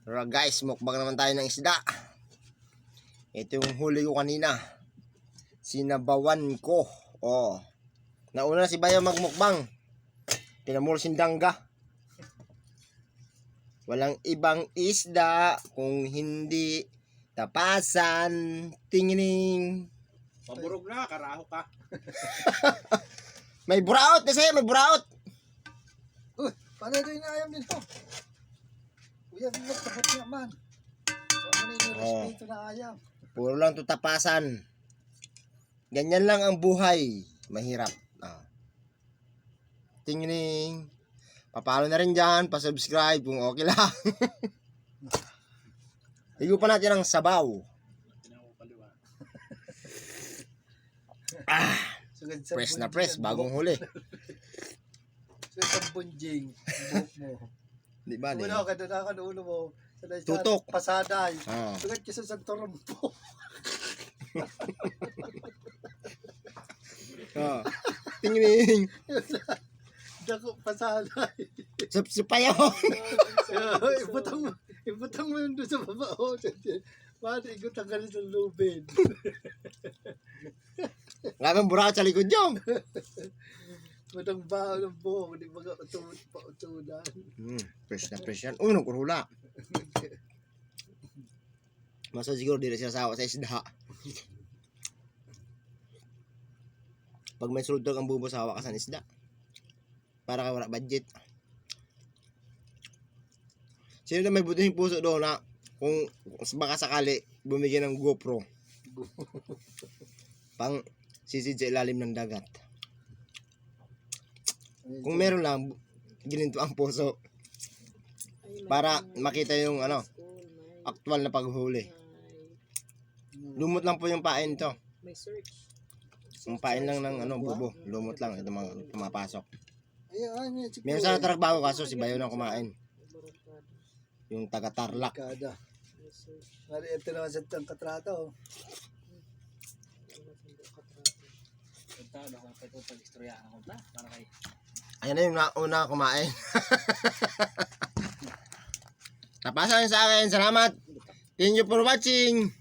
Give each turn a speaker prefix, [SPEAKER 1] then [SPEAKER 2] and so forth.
[SPEAKER 1] Tara guys, mukbang naman tayo ng isda. Ito yung huli ko kanina. Sinabawan ko. Oh. Nauna na si Bayo magmukbang. Pinamuro sindangga. Walang ibang isda kung hindi tapasan. Tingining.
[SPEAKER 2] Paburog na, karaho ka.
[SPEAKER 1] May buraot na sa'yo, may buraot.
[SPEAKER 3] Paano ito inaayam nito? Kuya, tapos niya man. Paano ito respeto na ayam?
[SPEAKER 1] Puro lang to tapasan. Ganyan lang ang buhay. Mahirap. Tingining. Papalo na rin dyan. Pa-subscribe kung okay lang. Higo pa natin ang sabaw. Press na press. Bagong huli.
[SPEAKER 3] Sugad sa bunjing. Buhok mo.
[SPEAKER 1] Di ba?
[SPEAKER 3] Uno, kaduna ka ulo mo.
[SPEAKER 1] Tutok.
[SPEAKER 3] Pasaday.
[SPEAKER 1] Ah.
[SPEAKER 3] Sugad ka sa torompo.
[SPEAKER 1] Tingining.
[SPEAKER 3] Dako, pasaday.
[SPEAKER 1] Supayaw.
[SPEAKER 3] Ibutang mo yun doon sa baba. Paano igutan ka rin sa lubid?
[SPEAKER 1] Ngayon buraot sa likod yung.
[SPEAKER 3] Madang baho ng buhok, hindi mga pautunan.
[SPEAKER 1] Fresh na fresh yan. Unong kurula. Masa siguro di na siya sawa sa isda. Pag may sulod ang bubo sawa ka sa isda. Para ka wala budget. Sino na may buting puso doon na kung baka sakali bumigyan ng GoPro pang sisid sa ilalim ng dagat. Kung meron lang, gininto ang puso para makita yung actual na paghuli. Lumot lang po yung pain to. Yung pain lang ng bubo. Lumot lang. Ito mga pumapasok. Meron sana trabaho kaso si Bayo na kumain. Yung taga Tarlac.
[SPEAKER 3] Kada. Ito naman sa katrato.
[SPEAKER 1] Ayan na yung una kumain. Tapasan sa akin. Salamat. Thank you for watching.